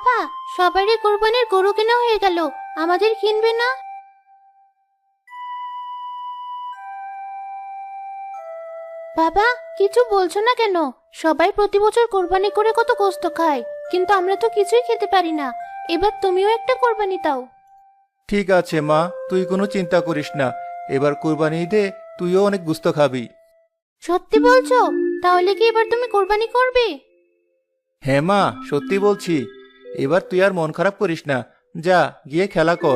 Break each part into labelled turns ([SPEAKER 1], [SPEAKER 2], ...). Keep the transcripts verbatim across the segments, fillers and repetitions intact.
[SPEAKER 1] বাবা, সবারই কোরবানির গরু কেনা হয়ে গেল, আমাদের কিনবে না? বাবা, কিছু বলছো না কেন? সবাই প্রতি বছর কোরবানি করে কত কষ্ট খায়, কিন্তু আমরা তো কিছুই খেতে পারি না। এবার তুমিও একটা কোরবানি দাও।
[SPEAKER 2] ঠিক আছে মা, তুই কোনো চিন্তা করিস না। এবার কুরবানি ঈদে তুইও অনেক গুস্ত খাবি।
[SPEAKER 1] সত্যি বলছো? তাহলে কি এবার তুমি কোরবানি করবে?
[SPEAKER 2] হ্যাঁ মা, সত্যি বলছি। এবার তুই আর মন খারাপ করিস না, যা গিয়ে খেলা কর।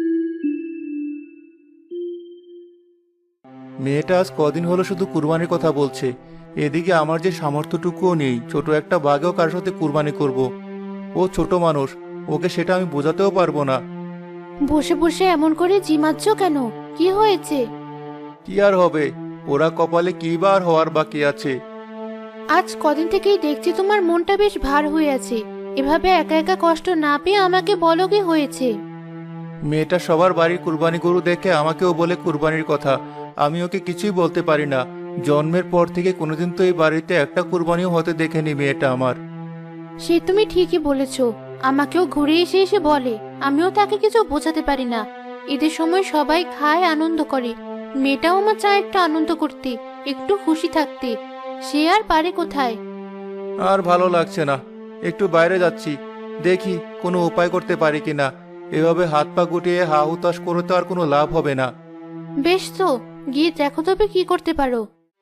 [SPEAKER 2] মেয়েটা আজ কদিন হলো শুধু কুরবানির কথা বলছে। এদিকে আমার যে সামর্থ্যটুকুও নেই ছোট একটা বাঘেও কার সাথে কুরবানি করব। ও ছোট মানুষ, ওকে সেটা আমি বোঝাতেও পারবো না।
[SPEAKER 1] বসে বসে এমন করে জিমাচ্ছ কেন? কি হয়েছে?
[SPEAKER 2] কি আর হবে, ওরা কপালে কি বার হওয়ার বাকি আছে।
[SPEAKER 1] আজ কদিন থেকেই দেখছি তোমার মনটা বেশ ভার হয়ে আছে। এভাবে একা একা কষ্ট না পেয়ে আমাকে বলো কি হয়েছে।
[SPEAKER 2] মেয়েটা সবার বাড়ির কুরবানি গরু দেখে আমাকেও বলে কুরবানির কথা। আমি ওকে কিছুই বলতে পারি না। জন্মের পর থেকে কোনোদিন তো এই বাড়িতে একটা কুরবানিও হতে দেখেনি মেয়েটা আমার।
[SPEAKER 1] সে তুমি ঠিকই বলেছো। আমাকেও ঘুরে এসে এসে বলে, আমিও তাকে কিছু বোঝাতে পারি না। ঈদের সময় সবাই খায়, আনন্দ করে। মেয়েটাও আমার চায় একটু আনন্দ করতে, একটু খুশি থাকতে। সে আর পারে কোথায়?
[SPEAKER 2] আর ভালো লাগছে না, একটু বাইরে যাচ্ছি, দেখি কোনো উপায় করতে পারি কিনা। এভাবে হাত পা গুটিয়ে হা হুতাশ করে তো আর কোনো লাভ হবে না।
[SPEAKER 1] বেশ, তো গিয়ে দেখো তবে কি করতে পারো।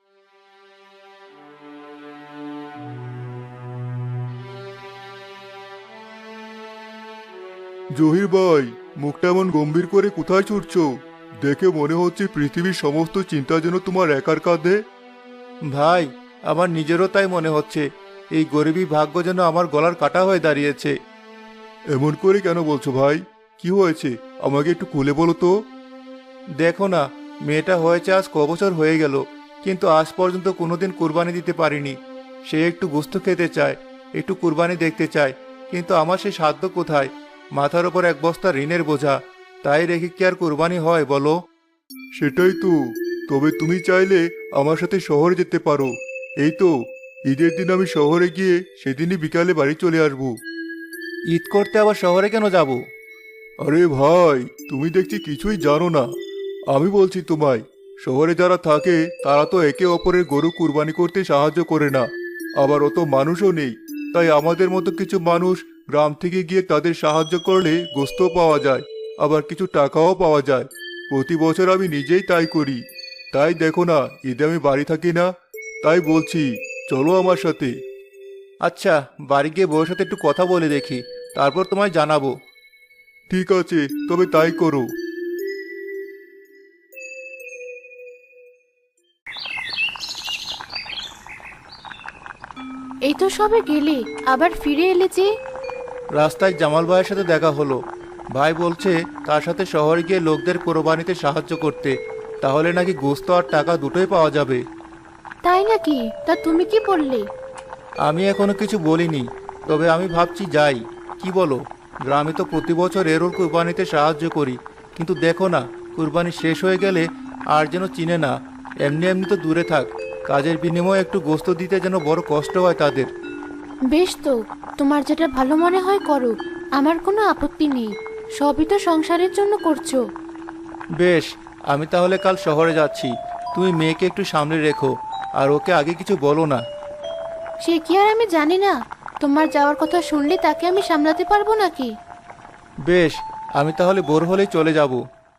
[SPEAKER 3] জহির ভাই, মুখটা এমন গম্ভীর করে কোথায় ছুটছো? দেখে মনে হচ্ছে পৃথিবীর সমস্ত চিন্তা যেন তোমার একার কাঁধে।
[SPEAKER 2] ভাই, আমার নিজেরও তাই মনে হচ্ছে। এই গরিবী ভাগ্য যেন আমার গলার কাটা হয়ে দাঁড়িয়েছে।
[SPEAKER 3] এমন করে কেন বলছো ভাই? কি হয়েছে আমাকে একটু খুলে বলো তো।
[SPEAKER 2] দেখো না, মেয়েটা হয়েছে আজ ক বছর হয়ে গেল, কিন্তু আজ পর্যন্ত কোনোদিন কুরবানি দিতে পারিনি। সে একটু গোস্ত খেতে চায়, একটু কুরবানি দেখতে চায়, কিন্তু আমার সে সাধ্য কোথায়? মাথার ওপর এক বস্তা ঋণের বোঝা, তাই রেখে কি আর কুরবানি হয় বলো?
[SPEAKER 3] সেটাই তো। তবে তুমি চাইলে আমার সাথে শহরে যেতে পারো। এই তো, ঈদের দিন আমি শহরে গিয়ে সেদিনই বিকালে বাড়ি চলে আসবো।
[SPEAKER 2] ঈদ করতে আবার শহরে কেন যাব?
[SPEAKER 3] আরে ভাই, তুমি দেখছি কিছুই জানো না। আমি বলছি তোমায়, শহরে যারা থাকে তারা তো একে অপরের গরু কুরবানি করতে সাহায্য করে না। আবার অত মানুষও নেই, তাই আমাদের মতো কিছু মানুষ গ্রাম থেকে গিয়ে তাদের সাহায্য করলে গোস্ত পাওয়া যায়, আবার কিছু টাকাও পাওয়া যায়। প্রতি বছর আমি নিজেই তাই করি। তাই দেখো না, ঈদে আমি বাড়ি থাকি না। তাই বলছি, চলো আমার সাথে।
[SPEAKER 2] আচ্ছা, বাড়ি গিয়ে বউয়ের সাথে একটু কথা বলে দেখি, তারপর তোমায় জানাবো।
[SPEAKER 3] ঠিক আছে, তবে তাই করো।
[SPEAKER 1] এই তো সবে গেলে, আবার ফিরে এলে যে?
[SPEAKER 2] রাস্তায় জামাল ভাইয়ের সাথে দেখা হলো। ভাই বলছে তার সাথে শহরে গিয়ে লোকদের কোরবানিতে সাহায্য করতে, তাহলে নাকি গোস্ত আর টাকা দুটোই পাওয়া যাবে।
[SPEAKER 1] তাই নাকি? তা তুমি কি বললে?
[SPEAKER 2] আমি এখনো কিছু বলিনি, তবে আমি ভাবছি যাই। কি বলো? গ্রামে তো প্রতি বছর এরোর কুরবানিতে সাহায্য করি, কিন্তু দেখো না, কুরবানি শেষ হয়ে গেলে আর যেন চিনে না। এমনি এমনি তো দূরে থাক, কাজের বিনিময়ে একটু গোস্ত দিতে যেন বড় কষ্ট হয় তাদের।
[SPEAKER 1] বেশ, তো তোমার যেটা ভালো মনে হয় করো, আমার কোনো আপত্তি নেই। সবই তো সংসারের জন্য করছো।
[SPEAKER 2] বেশ, আমি তাহলে কাল শহরে যাচ্ছি। তুমি মেয়েকে একটু সামনে রেখো, আর ওকে আগে কিছু বলো না।
[SPEAKER 1] সে কি আর আমি জানি না? তোমার যাওয়ার কথা শুনলে তাকে আমি সামলাতে পারবো নাকি?
[SPEAKER 2] বেশ, আমি তাহলে ভোর হলেই চলে যাব।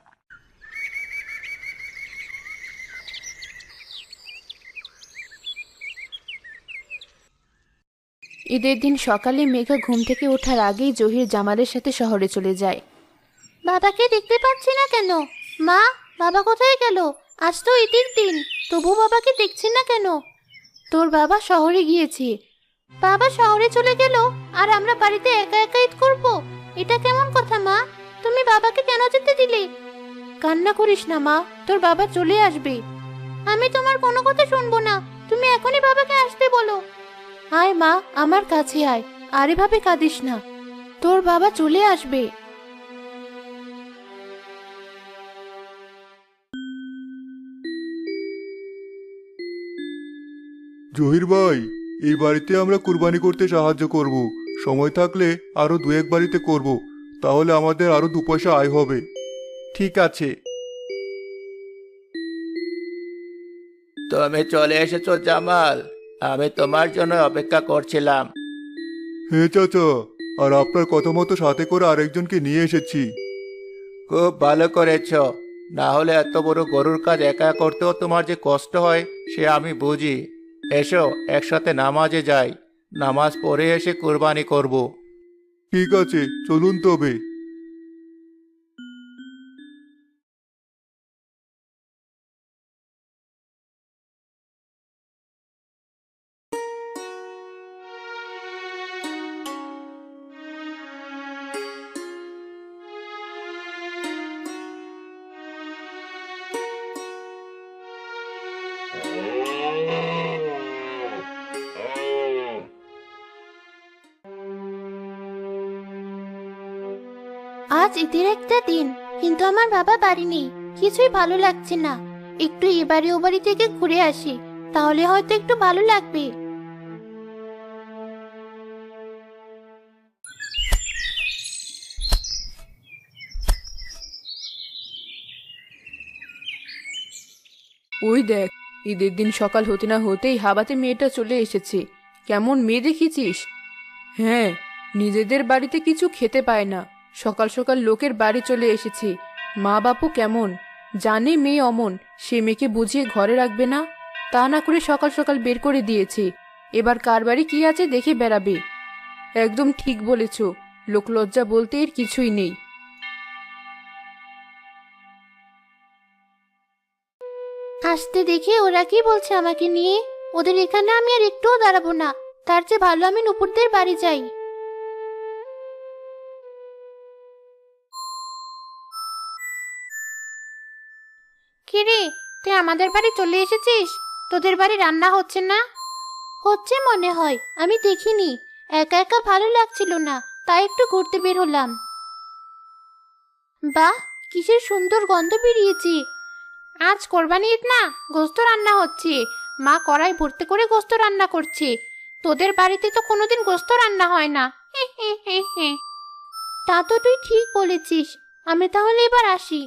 [SPEAKER 1] ঈদের দিন সকালে মেঘা ঘুম থেকে ওঠার আগেই জহির জামালের সাথে শহরে চলে যায়। বাবাকে দেখতে পাচ্ছি না কেন? মা, বাবা কোথায় গেল? আজ তো ঈদের দিন, তবু বাবাকে দেখছি না কেন? তোর বাবা শহরে গিয়েছে। বাবা শহরে চলে গেল আর আমরা বাড়িতে একা একা ঈদ করব? এটা কেমন কথা মা? তুমি বাবাকে কেন যেতে দিলে? কান্না করিস না মা, তোর বাবা চলে আসবে। আমি তোমার কোনো কথা শুনবো না, তুমি এখনই বাবাকে আসতে বলো। আয় মা, আমার কাছে আয়, আর এভাবে কাঁদিস না। তোর বাবা চলে আসবে।
[SPEAKER 3] জহির ভাই, এই বাড়িতে আমরা কুরবানি করতে সাহায্য করব। সময় থাকলে আরো দু এক বাড়িতে করব, তাহলে আমাদের আরো দু পয়সা আয় হবে।
[SPEAKER 2] ঠিক আছে। তুমি চলে এসেছো জামাল, আমি তোমার জন্য অপেক্ষা করছিলাম।
[SPEAKER 3] হ্যাঁ চাচা, আর আপনার কথা মতো সাথে করে আরেকজনকে নিয়ে এসেছি।
[SPEAKER 2] খুব ভালো করেছো, না হলে এত বড় গরুর কাজ একা করতেও তোমার যে কষ্ট হয় সে আমি বুঝি। এসো একসাথে নামাজে যাই, নামাজ পড়ে এসে কুরবানি করব।
[SPEAKER 3] ঠিক আছে, চলুন তবে।
[SPEAKER 1] আজ ঈদের একটা দিন, কিন্তু আমার বাবা বাড়ি নেই। কিছুই ভালো লাগছে না। একটু এ বাড়ি ও বাড়ি থেকে ঘুরে আসি, তাহলে হয়তো একটু ভালো লাগবে।
[SPEAKER 4] ওই দেখ, ঈদের দিন সকাল হতে না হতেই হাবাতে মেয়েটা চলে এসেছে। কেমন মেয়ে দেখেছিস? হ্যাঁ, নিজেদের বাড়িতে কিছু খেতে পায় না, সকাল সকাল লোকের বাড়ি চলে এসেছে। মা বাপু কেমন জানে মেয়ে অমন, সে মেয়েকে বুঝিয়ে ঘরে রাখবে না, তা না করে সকাল সকাল বের করে দিয়েছে। এবার কার বাড়ি কি আছে দেখে বেড়াবে। একদম ঠিক বলেছ, লোকলজ্জা বলতে এর কিছুই নেই।
[SPEAKER 1] আসতে দেখে ওরা কি বলছে আমাকে নিয়ে? ওদের এখানে আমি আর একটুও দাঁড়াবো না। তার চেয়ে ভালো আমি নুপুরদের বাড়ি যাই। কিরে, তুই আমাদের বাড়ি চলে এসেছিস? তোদের বাড়ি রান্না হচ্ছে না? হচ্ছে মনে হয়, আমি দেখিনি। একা একা ভালো লাগছিল না, তাই একটু ঘুরতে বের হলাম। বাহ, কিসের সুন্দর গন্ধ বেরিয়েছে। আজ কোরবানি ঈদ না, গোস্ত রান্না হচ্ছে। মা কড়াই ভর্তি করে গোস্ত রান্না করছে। তোদের বাড়িতে তো কোনোদিন গোস্ত রান্না হয় না। হে হে হে হে। তা তো তুই ঠিক বলেছিস। আমি তাহলে এবার আসি।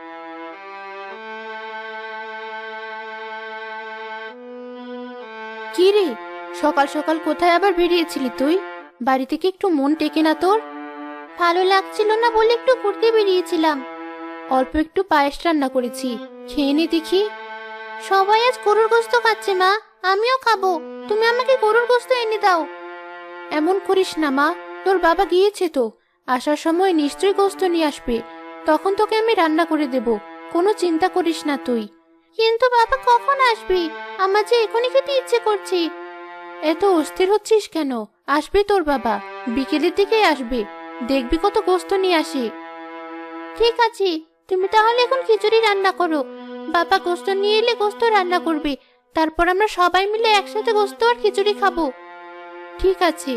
[SPEAKER 1] কি রে, সকাল সকাল কোথায় আবার বেরিয়েছিলি তুই? বাড়ি থেকে একটু মন টেকে না তোর? ভালো লাগছিল না বলে একটু ঘুরতে বেরিয়েছিলাম। অল্প একটু পায়েস রান্না করেছি, খেয়ে নি দেখি। সবাই আজ গরুর গোস্ত খাচ্ছে মা, আমিও খাবো। তুমি আমাকে গরুর গোস্ত এনে দাও। এমন করিস না মা, তোর বাবা গিয়েছে তো, আসার সময় নিশ্চয়ই গোস্ত নিয়ে আসবে। তখন তোকে আমি রান্না করে দেব, কোনো চিন্তা করিস না তুই। কিন্তু বাবা কখন আসবে? আমার যে এখনই খেতে ইচ্ছে করছে। এত অস্থির হচ্ছিস কেন? আসবে তোর বাবা, বিকেলের দিকেই আসবে। দেখবি কত গোস্ত নিয়ে আসে। ঠিক আছে, তুমি তাহলে এখন খিচুড়ি রান্না করো। বাবা গোস্ত নিয়ে এলে গোস্ত রান্না করবে, তারপর আমরা সবাই মিলে একসাথে গোস্ত আর খিচুড়ি খাবো। ঠিক আছে।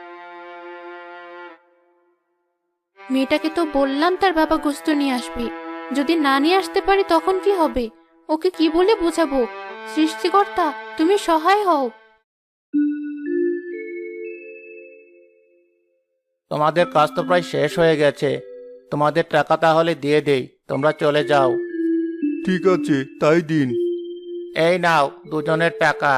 [SPEAKER 1] মেয়েটাকে তো বললাম তার বাবা গোস্ত নিয়ে আসবে, যদি না নিয়ে আসতে পারি তখন কি হবে? ওকে কি বলে বোঝাবো? সৃষ্টিকর্তা, তুমি সহায় হও।
[SPEAKER 2] তোমাদের কাজ তো প্রায় শেষ হয়ে গেছে, তোমাদের টাকা তাহলে দিয়ে দেই, তোমরা চলে যাও।
[SPEAKER 3] ঠিক আছে, তাই দিন।
[SPEAKER 2] এই নাও দুজনের টাকা।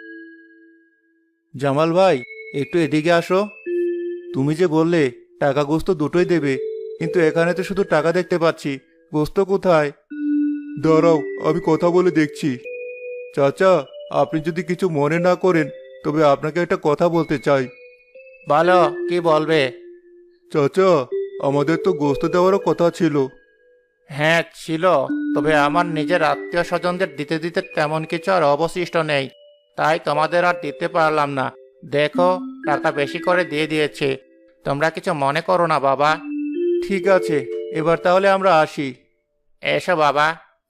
[SPEAKER 2] জামাল ভাই, একটু এদিকে আসো। তুমি যে বললে টাকা গোস্ত দুটোই দেবে, কিন্তু এখানে তো শুধু টাকা দেখতে পাচ্ছি, গোস্ত কোথায়?
[SPEAKER 3] দাঁড়াও, আমি কথা বলে দেখছি। চাচা, আপনি যদি কিছু মনে না করেন তবে আপনাকে একটা কথা বলতে চাই।
[SPEAKER 2] বলো, কি বলবে?
[SPEAKER 3] চাচা, আমাদের তো গোস্ত দেওয়ারও কথা ছিল।
[SPEAKER 2] হ্যাঁ ছিল, তবে আমার নিজের আত্মীয় স্বজনদের দিতে দিতে তেমন কিছু আর অবশিষ্ট নেই, তাই তোমাদের আর দিতে পারলাম না। দেখো, টাকা বেশি করে দিয়ে দিয়েছে, তোমরা কিছু মনে করো না বাবা।
[SPEAKER 3] ঠিক আছে, এবার তাহলে আমরা আসি।
[SPEAKER 2] এসো বাবা।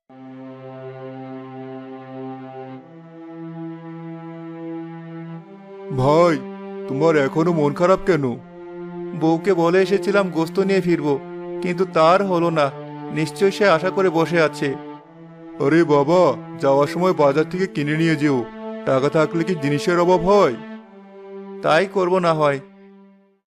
[SPEAKER 3] ভাই, তোমার এখনো মন খারাপ কেন?
[SPEAKER 2] বউকে বলে এসেছিলাম গোস্ত নিয়ে ফিরবো, কিন্তু তার হলো না। নিশ্চয়ই সে আশা করে বসে আছে।
[SPEAKER 3] আরে বাবা, যাওয়ার সময় বাজার থেকে কিনে নিয়ে যেও। টাকা থাকলে কি জিনিসের অভাব হয়?
[SPEAKER 2] তাই করব না হয়।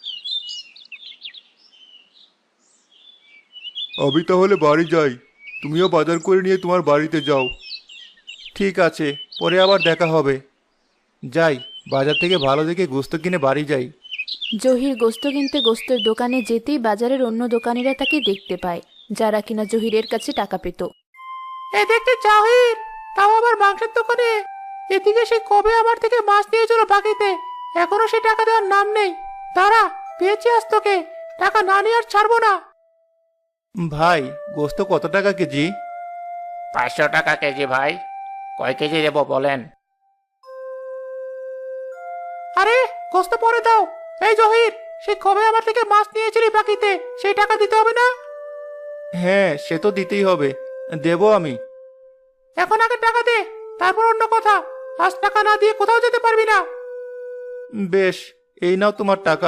[SPEAKER 3] আমি তাহলে বাড়ি যাই, তুমিও বাজার করে নিয়ে তোমার বাড়িতে যাও।
[SPEAKER 2] ঠিক আছে, পরে আবার দেখা হবে। যাই, বাজার থেকে ভালো দেখে গোস্ত কিনে বাড়ি যাই।
[SPEAKER 1] জহির গোস্ত কিনতে গোস্তের দোকানে যেতেই বাজারের অন্য দোকানিরা তাকে দেখতে পায়, যারা কিনা জহিরের কাছে টাকা পেত।
[SPEAKER 2] এই দেখতে জহির, তাও আবার মাংসের দোকানে। এদিকে সে কবে আমার থেকে মাছ নিয়েছিল বাকিতে, এখনো সে টাকা দেওয়ার নাম নেই। দাঁড়া, পেয়েছি আজ তোকে, টাকা না নিয়ে আর ছাড়বো না। ভাই, গোস্ত কত টাকা কেজি?
[SPEAKER 5] পাঁচশো টাকা কেজি ভাই। কয় কেজি দেবো বলেন?
[SPEAKER 2] আরে, গোস্ত পরে দাও। এই জহির, সে কবে আমার থেকে মাছ নিয়েছিলি বাকিতে, সেই টাকা দিতে হবে না? হ্যাঁ, সে তো দিতেই হবে, দেবো আমি। এখন আগে টাকা দে, তারপর অন্য কথা। আজ টাকা না দিয়ে কোথাও যেতে পারবি না। বেশ, এই নাও তোমার টাকা।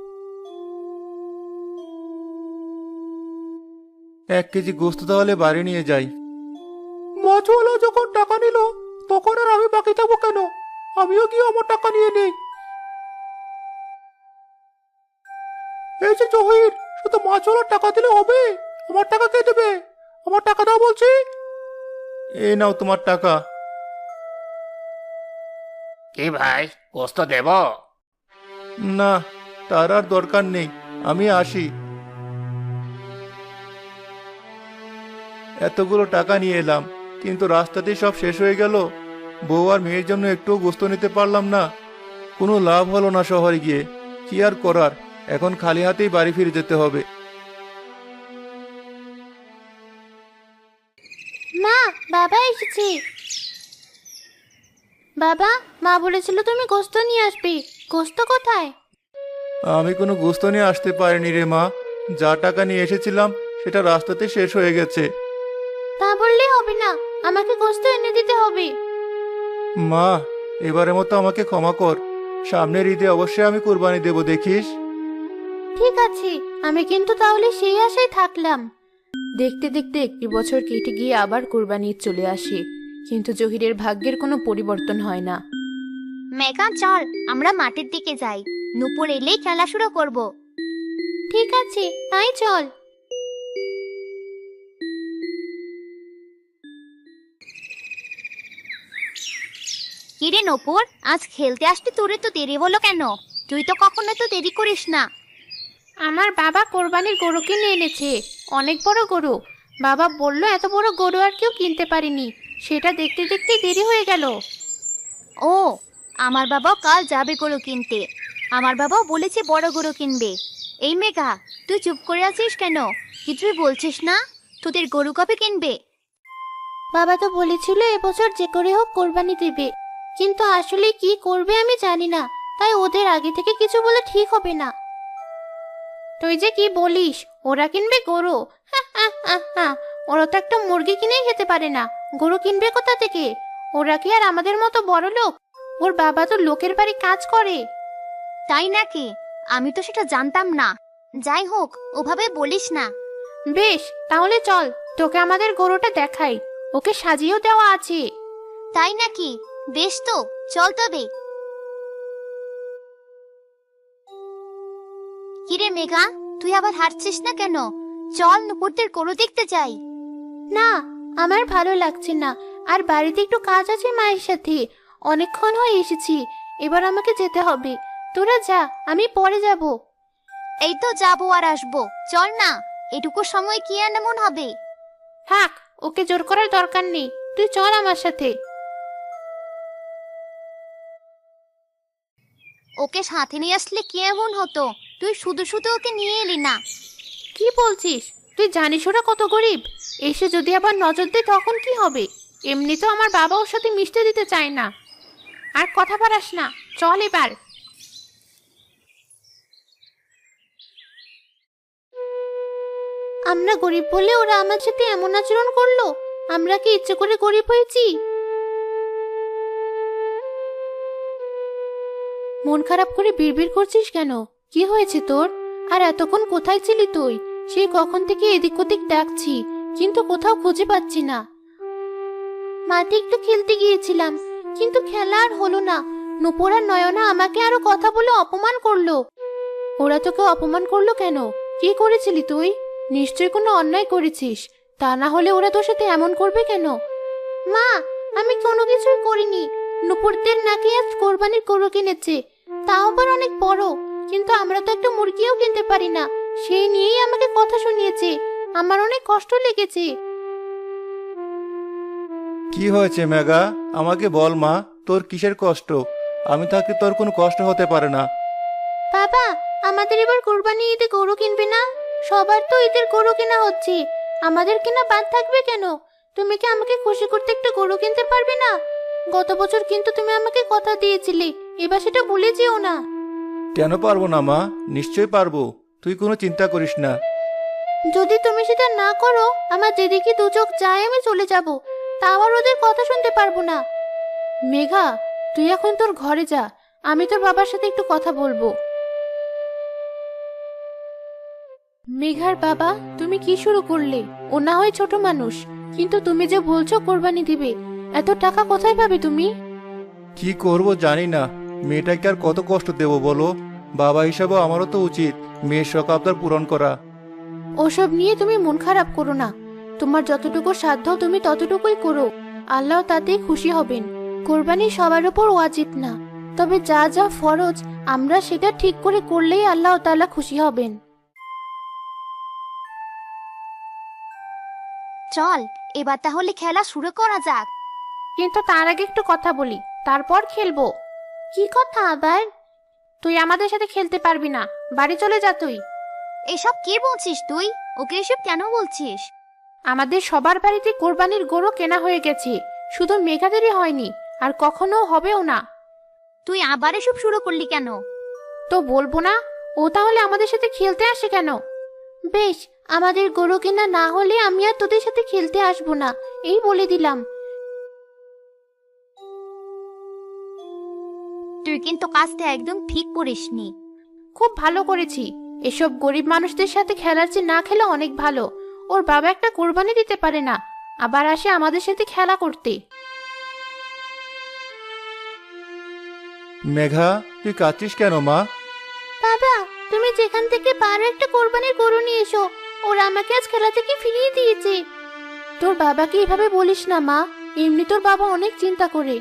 [SPEAKER 2] এক কেজি গোস্ত তাহলে বাড়ি নিয়ে যাই। মাছওয়ালা যখন টাকা নিল, তখন আর আমি বাকি থাকবো কেন? আমিও গিয়ে আমার টাকা নিয়ে নেই। এই যে জহির, শুধু মাছওয়ালার টাকা দিলে হবে? আমার টাকা কে দেবে? আমার টাকা দাও বলছি। এই নাও তোমার টাকা।
[SPEAKER 5] কি ভাই, গোস্ত দেব?
[SPEAKER 2] না, তার আর দরকার নেই, আমি আসি। এতগুলো টাকা নিয়ে এলাম, কিন্তু রাস্তাতেই সব শেষ হয়ে গেল। বউ আর মেয়ের জন্য একটুও গোস্ত নিতে পারলাম না। কোনো লাভ হলো না শহরে গিয়ে। কি আর করার, এখন খালি হাতেই বাড়ি ফিরে যেতে হবে।
[SPEAKER 1] মা, বাবা এসেছে। বাবা, মা বলেছিল তুমি গোস্ত নিয়ে আসবে। গোস্ত কোথায়?
[SPEAKER 2] আমি কোনো গোস্ত নিয়ে আসতে পারিনি রে মা। যা টাকা নিয়ে এসেছিলাম সেটা রাস্তাতে শেষ হয়ে গেছে।
[SPEAKER 1] তা বললে হবে না, আমাকে গোস্ত এনে দিতে হবে।
[SPEAKER 2] মা, এবারের মতো আমাকে ক্ষমা কর। সামনের ঈদে অবশ্যই আমি কুরবানি দেব, দেখিস।
[SPEAKER 1] ঠিক আছে, আমি কিন্তু তাহলে সেই আশায় থাকলাম। দেখতে দেখতে একটি বছর কেটে গিয়ে আবার কুরবানি ঈদ চলে আসে, কিন্তু জহিরের ভাগ্যের কোনো পরিবর্তন হয় না।
[SPEAKER 6] মেঘা চল, আমরা মাঠের দিকে যাই। নুপুর এলেই খেলা শুরু করব।
[SPEAKER 1] ঠিক আছে, তাই চল।
[SPEAKER 6] কিরে নুপুর, আজ খেলতে আসতে তোরে তো দেরি হলো কেন? তুই তো কখনো তো দেরি করিস না।
[SPEAKER 1] আমার বাবা কোরবানির গরু কিনে এনেছে, অনেক বড় গরু। বাবা বলল এত বড় গরু আর কেউ কিনতে পারেনি, সেটা দেখতে দেখতে দেরি হয়ে গেল।
[SPEAKER 6] ও, আমার বাবাও কাল যাবে গরু কিনতে। আমার বাবাও বলেছে বড় গরু কিনবে। এই মেঘা, তুই চুপ করে আছিস কেন? কিছুই বলছিস না? তোদের গরু কবে কিনবে?
[SPEAKER 1] বাবা তো বলেছিল এবছর যে করে হোক কোরবানি দেবে, কিন্তু আসলে কি করবে আমি জানি না, তাই ওদের আগে থেকে কিছু বলে ঠিক হবে না। তুই যে কি বলিস, ওরা কিনবে গরু? হা, হা, হা, হা। ওরা তো একটা মুরগি কিনেই খেতে পারে না, গরু কিনবে কোথা থেকে? ওরা কি আর আমাদের মতো বড় লোক? ওর বাবা তো লোকের বাড়ি কাজ করে।
[SPEAKER 6] তাই নাকি? আমি তো সেটা জানতাম না। যাই হোক, ওভাবে বলিস না।
[SPEAKER 1] বেশ, তাহলে চল, তোকে আমাদের গরুটা দেখাই। ওকে সাজিয়েও দেওয়া আছে।
[SPEAKER 6] তাই নাকি? বেশ তো, চল তবে। কিরে মেঘা, তুই আবার হাঁটছিস না কেন? চল নুপুরদের গরু দেখতে যাই।
[SPEAKER 1] না, আমার ভালো লাগছে না, আর বাড়িতে একটু কাজ আছে মায়ের সাথে। অনেকক্ষণ হয়ে এসেছি, এবার আমাকে যেতে হবে। তোরা যা, আমি পরে যাব।
[SPEAKER 6] এই তো যাবো আর আসবো, চল না। এটুকু সময় কি আর এমন হবে?
[SPEAKER 1] থাক, ওকে জোর করার দরকার নেই, তুই চল আমার সাথে।
[SPEAKER 6] ওকে সাথে নিয়ে আসলে কি এমন হতো? তুই শুধু শুধু ওকে নিয়ে এলি না।
[SPEAKER 1] কি বলছিস? তুই জানিস ওরা কত গরিব। এসে যদি আবার নজর দেয় তখন কি হবে? এমনি তো আমার বাবা ওর সাথে মিশতে দিতে চায় না। আর কথা বাড়াস না, চল এবার। আমরা গরিব বলে ওরা আমার সাথে এমন আচরণ করলো? আমরা কি ইচ্ছে করে গরিব হয়েছি? মন খারাপ করে বিড়বিড় করছিস কেন? কি হয়েছে তোর? আর এতক্ষণ কোথায় ছিলি তুই? সেই কখন থেকে এদিক ওদিক ডাকছি, কিন্তু কোথাও খুঁজে পাচ্ছি না। মাঠে একটু খেলতে গিয়েছিলাম, কিন্তু খেলা আর হলো না। নূপুর আর নয়না আমাকে আরো কথা বলে অপমান করলো। ওরা তোকে অপমান করলো কেন? কি করেছিলি তুই? নিশ্চয়ই কোনো অন্যায় করেছিস, তা না হলে ওরা তোর সাথে এমন করবে কেন? মা, আমি কোনো কিছুই করিনি। নুপুরদের নাকি আজ কোরবানির গরু কিনেছে, তাও আবার অনেক বড়, কিন্তু আমরা তো একটা মুরগিও কিনতে পারি না। সেই নিয়েই আমাকে কথা শুনিয়েছে। আমার অনেক কষ্ট লেগেছে।
[SPEAKER 2] কি হয়েছে মেঘা, আমাকে বল মা, তোর কিসের কষ্ট? আমি থাকতে তোর কোনো কষ্ট হতে পারে না।
[SPEAKER 1] বাবা, আমাদের এবার কোরবানি ঈদে গরু কিনবে না? সবার তো ঈদের গরু কেনা হচ্ছে, আমাদের কেনা বাদ থাকবে কেন? তুমি কি আমাকে খুশি করতে একটা গরু কিনতে পারবে না? গত বছর কিন্তু তুমি আমাকে কথা দিয়েছিলে, এবার সেটা ভুলে যেও না।
[SPEAKER 2] কেন পারবো না মা, নিশ্চয়ই পারবো, তুই কোনো চিন্তা করিস না।
[SPEAKER 1] যদি তুমি সেটা না করো, আমার যেদিকে দু চোখ যায় আমি চলে যাব, তাও আর ওদের কথা শুনতে পারবো না। মেঘা, তুই এখন তোর ঘরে যা, আমি তোর বাবার সাথে একটু কথা বলবো। মেঘার বাবা, তুমি কি শুরু করলে? ও না হয় ছোট মানুষ, কিন্তু তুমি যে বলছো কোরবানি দিবে, এত টাকা কোথায় পাবে তুমি?
[SPEAKER 2] কি করব জানি না, মেয়েটাকে আর কত কষ্ট দেব বলো? বাবা হিসাবে আমারও তো উচিত মেয়ের শখ আবদার পূরণ করা।
[SPEAKER 1] ওসব নিয়ে তুমি মন খারাপ করো না, তোমার যতটুকু সাধ্য তুমি ততটুকুই করো, আল্লাহ তাতেই খুশি হবেন। কোরবানি সবার উপর ওয়াজিব না, তবে যা যা ফরজ আমরা সেটা ঠিক করে করলেই আল্লাহ তাআলা খুশি হবেন।
[SPEAKER 6] চল এবার তাহলে খেলা শুরু করা যাক।
[SPEAKER 1] কিন্তু তার আগে একটু কথা বলি, তারপর খেলবো। কি কথা আবার? তুই আমাদের সাথে খেলতে পারবি না, বাড়ি চলে যা তুই।
[SPEAKER 6] এসব কি বলছিস তুই? ওকে এসব কেন বলছিস?
[SPEAKER 1] আমাদের সবার বাড়িতে কোরবানির গরু কেনা হয়ে গেছে, শুধু মেঘাদেরই হয়নি, আর কখনো হবেও না।
[SPEAKER 6] তুই আবার এসব শুরু করলি কেন?
[SPEAKER 1] তো বলবো না? ও তাহলে আমাদের সাথে খেলতে আসে কেন? বেশ, আমাদের গরু কেনা না হলে আমি আর তোদের সাথে খেলতে আসবো না, এই বলে দিলাম।
[SPEAKER 6] তুই কিন্তু কাজটা একদম ঠিক করিসনি।
[SPEAKER 1] খুব ভালো করেছি, এসব গরিব মানুষদের সাথে খেলার চেয়ে না খেলা অনেক ভালো। ওর বাবা একটা কোরবানি দিতে পারে না, আবার আসে আমাদের সাথে খেলা করতে।
[SPEAKER 2] মেঘা, তুই কাঁদছিস কেন মা?
[SPEAKER 1] বাবা, তুমি যেখান থেকে পারো একটা কোরবানির গরু নিয়ে এসো, ওরা আমাকে আজ খেলা থেকে ফিরিয়ে দিয়েছে। তোর বাবাকে এভাবে বলিস না মা, এমনি তোর বাবা অনেক চিন্তা করে।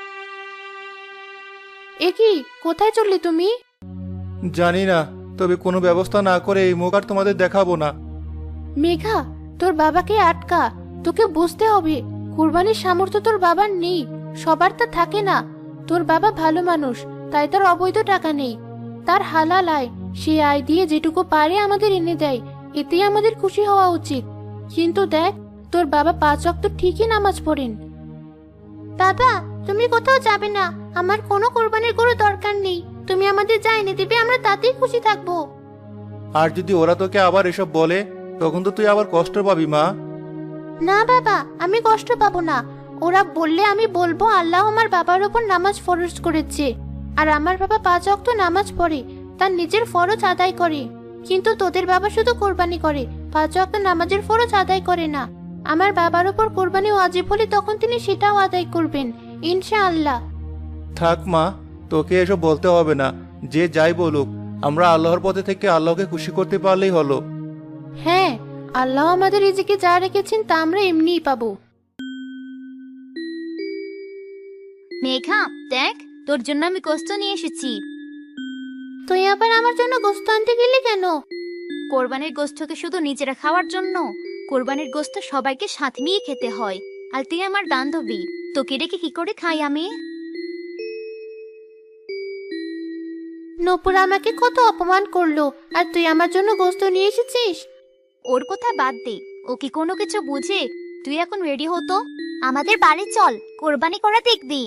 [SPEAKER 1] এ কি, কোথায় চললে তুমি?
[SPEAKER 2] জানি না, তবে কোনো ব্যবস্থা না করে এই মুখ আর তোমাদের দেখাবো না।
[SPEAKER 1] মেঘা, তোর বাবাকে আটকা, তোকে বুঝতে হবে কুরবানির সামর্থ্য তোর বাবার নেই, সবার তা থাকে না। তোর বাবা ভালো মানুষ, তাই তার অবৈধ টাকা নেই, তার হালাল আয়, সে আয় দিয়ে যেটুকু পারে আমাদের এনে দেয়, এতেই আমাদের খুশি হওয়া উচিত। কিন্তু দেখ, তোর বাবা পাঁচ ওয়াক্ত ঠিকই নামাজ পড়েন। বাবা, তুমি কোথাও যাবে না, আমার কোনো কোরবানির গরু দরকার নেই, তুমি আমাদের যা এনে দিবে আমরা তাতেই খুশি থাকবো।
[SPEAKER 2] আর যদি ওরা তোকে আবার এসব বলে, তখন তো তুই আবার কষ্ট পাবি মা।
[SPEAKER 1] না বাবা, আমি কষ্ট পাবো না। ওরা বললে আমি বলবো আল্লাহ আমার বাবার উপর নামাজ ফরজ করেছে, আর আমার বাবা পাঁচ ওয়াক্ত নামাজ পড়ে, তার নিজের ফরজ আদায় করে। কিন্তু তোদের বাবা শুধু কোরবানি করে, পাঁচ ওয়াক্ত নামাজের ফরজ আদায় করে না। আমার বাবার উপর কোরবানি ওয়াজিব হলে তখন তিনি সেটাও আদায় করবেন ইনশাআল্লাহ।
[SPEAKER 2] থাক মা, তোকে এসব বলতে হবে না, যে যাই বলুক, আমরা আল্লাহর পথে থেকে আল্লাহকে খুশি করতে পারলেই হলো।
[SPEAKER 1] হ্যাঁ, আল্লাহ আমাদের রিজিকে যা রেখেছেন তা আমরা এমনিই পাবো।
[SPEAKER 6] মেঘা, দেখ তোর জন্য আমি গোস্ত নিয়ে এসেছি।
[SPEAKER 1] তুই আবার আমার জন্য গোস্ত আনতে গেলি কেন?
[SPEAKER 6] কোরবানির গোস্তকে শুধু নিজেরা খাওয়ার জন্য? কোরবানির গোস্ত সবাইকে সাথে নিয়ে খেতে হয়, আর তুই আমার বান্ধবী, তোকে রেখে কি করে খাই আমি?
[SPEAKER 1] নূপুর আমাকে কত অপমান করলো, আর তুই আমার জন্য গোস্ত নিয়ে এসেছিস?
[SPEAKER 6] ওর কথা বাদ দে, ও কি কোনো কিছু বুঝে? তুই এখন রেডি হতো, আমাদের বাড়ি চল, কোরবানি করা দেখবি।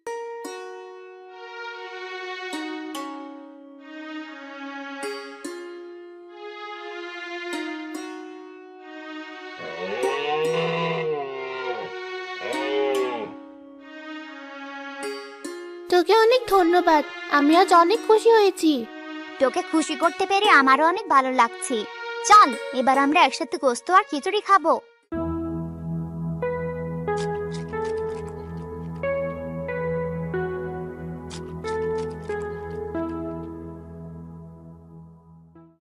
[SPEAKER 1] তোকে অনেক ধন্যবাদ, আমি আজ অনেক খুশি হয়েছি।
[SPEAKER 6] তোকে খুশি করতে পেরে আমারও অনেক ভালো লাগছে। চল এবার আমরা একসাথে গোস্ত আর খিচুড়ি খাবো।